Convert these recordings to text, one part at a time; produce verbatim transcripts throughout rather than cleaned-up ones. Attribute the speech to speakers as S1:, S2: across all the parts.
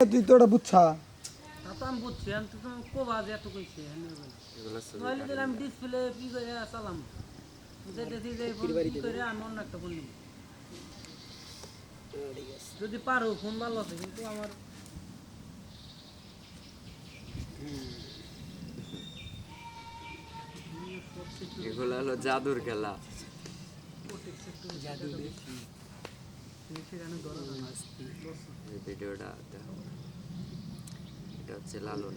S1: তুই তো ওটা বুঝছা
S2: তা তো আমি বুঝছি আমি তো তুমি কোবাজ এত কইছে নইলে দিলে আমি ডিসপ্লে কি করে চালাম যেতেছি যে ফোন কি করে আমি অন্য একটা ফোন নিব যদি পারো ফোন ভালো আছে কিন্তু আমার
S3: এগুলো হলো জাদুর খেলা এই ভিডিওটা দেখো এটা হচ্ছে লালন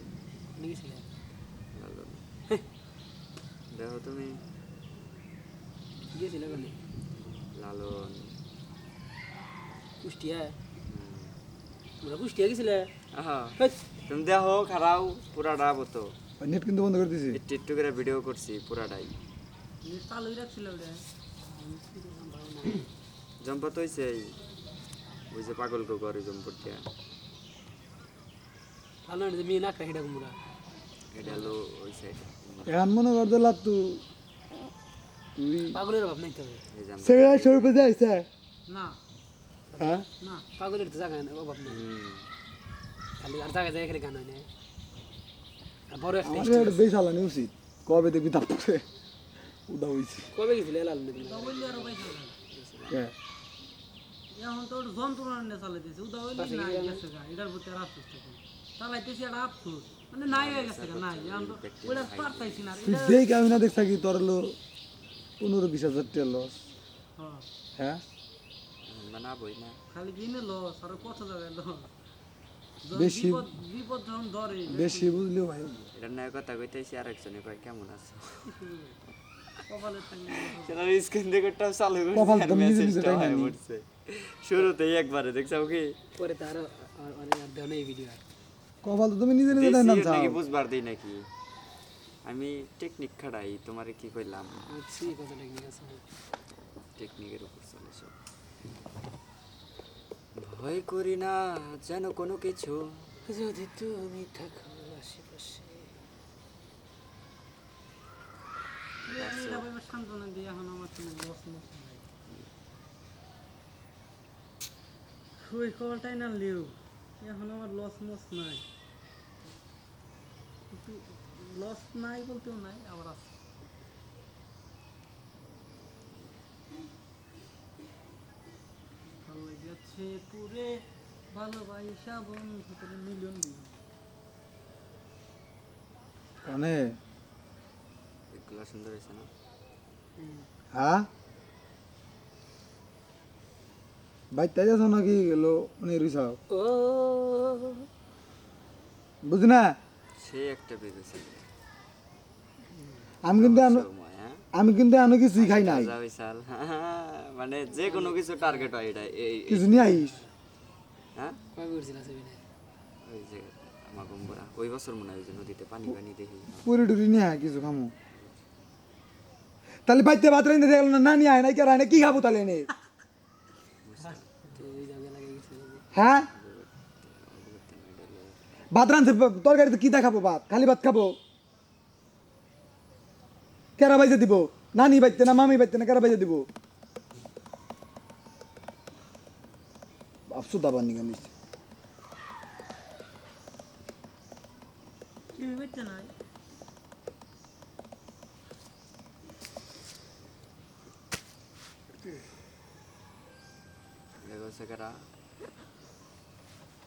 S3: লালন দেখো তুমি লালন
S2: কুষ্টিয়া তোমরা কুষ্টিয়া গেছিলে
S3: আহা তুমি দেখো খারাও পুরাটা বতো
S1: নেট কিন্তু বন্ধ করে দিছি
S3: একটু একটু করে ভিডিও করছি পুরাটাই
S2: চালুই রাখছিল ওটা
S3: জম্পত হয়েছে ওই যে পাগল কো করে জম্পটিয়া
S2: ভালো না মেয়ে না খাই এটা কুমড়া
S3: এটা হলো ওই সাইড
S1: এখন মনে কর দিলা তুই তুই
S2: পাগলের অভাব নাই তবে
S3: এই জাম
S1: সেরা সরবে যাইছে
S2: না
S1: হ্যাঁ
S2: না পাগলের তো জায়গা নেই অভাব নেই খালি আর জায়গা জায়গা খালি গান হয় না আর বড় একটা
S1: আমার এটা বেশ আলানি উচিত কবে দেখবি তারপরে উদা হইছে
S2: কবে গেছিলে লাল নদী কবে আর ভাই
S1: হ্যাঁ
S2: এখন তো যন্ত্রণা নিয়ে চালাইতেছে উদা হইলে না গেছে গা এটার প্রতি আর আফসোস থাকে চালাইতেছি আর আফসোস মানে নাই হয়ে গেছে গা নাই এখন তো ওইটা পারতাইছি না
S1: তুই দেখ আমি না দেখছা কি তোর হলো পনেরো বিশ হাজার টাকা লস
S2: হ্যাঁ
S1: হ্যাঁ
S3: বানাবই না
S2: খালি দিনে লস আর কত জায়গায় লস
S1: বেশি
S2: বিপদ যখন ধরে
S1: বেশি বুঝলিও ভাই
S3: এটা নয় কথা কইতেছি আর একজনে কয় কেমন আছো
S2: কপালে থাকলে
S3: সেটা স্ক্রিন রেকর্ডটাও চালু করে
S1: কপাল তো নিজে নিজে তাই না
S3: পড়ছে শুরুতেই একবারে দেখছো কি
S2: পরে তার অনেক আর দেও না এই ভিডিও
S1: কপাল তো তুমি নিজে নিজে তাই নাম চাও
S3: নাকি বুঝবার দেই নাকি আমি টেকনিক খাড়াই তোমারে কি কইলাম
S2: বুঝছি কত টেকনিক আছে
S3: টেকনিকের উপর চলে সব ভয় করি না যেন কোনো কিছু
S2: যদি তুমি থাকো আশেপাশে এটা ভাই সান্ত্বনা দিয়ে এখন আমার কোনো লস লস নাই ওই খবরটাই না লিও এখন আমার লস মস নাই কিন্তু লস নাই বলতেও নাই আবার আছে ভালো লেগেছে পুরে ভালোবাসা বন্ধু করে মিলিয়ন
S1: কানে
S3: এগুলো সুন্দর হয়েছে না
S1: হ্যাঁ ভাই তাই যাচ্ছ নাকি গেলো মানে রুইসাও
S2: ও
S1: বুঝি না
S3: সে একটা বেজেছে
S1: আমি কিন্তু আনো-
S3: সময় হ্যাঁ
S1: আমি কিন্তু আনো কিছুই খাই নাই
S3: রাজা বিশাল মানে যে কোনো কিছু টার্গেট হয় এটা এই
S1: কিছু নিয়ে আইস
S3: হ্যাঁ
S2: কবে করছিল সেদিনে
S3: ওই যে আমার গম্বরা ওই বছর মনে হয় ওই যে নদীতে পানি পানি দেখি
S1: পুরি টুরি নিয়ে আয় কিছু খামো তাহলে বাইতে ভাত রাইতে দেখল না না নিয়ে আয় নাই কে রায় না কি খাবো তাহলে নে
S2: ওই জায়গায় লাগে গেছিল
S1: হ্যাঁ ভাত রাঁধছে তরকারিতে কি দেখাবো ভাত খালি ভাত খাবো কেরা বাইজে দিব নানি বাইতে না মামি বাইতে না কেরা বাইজে দিব আফসোস দাবার নিগা নিচ্ছে
S2: কি হইছে না
S3: দেখো সেকারা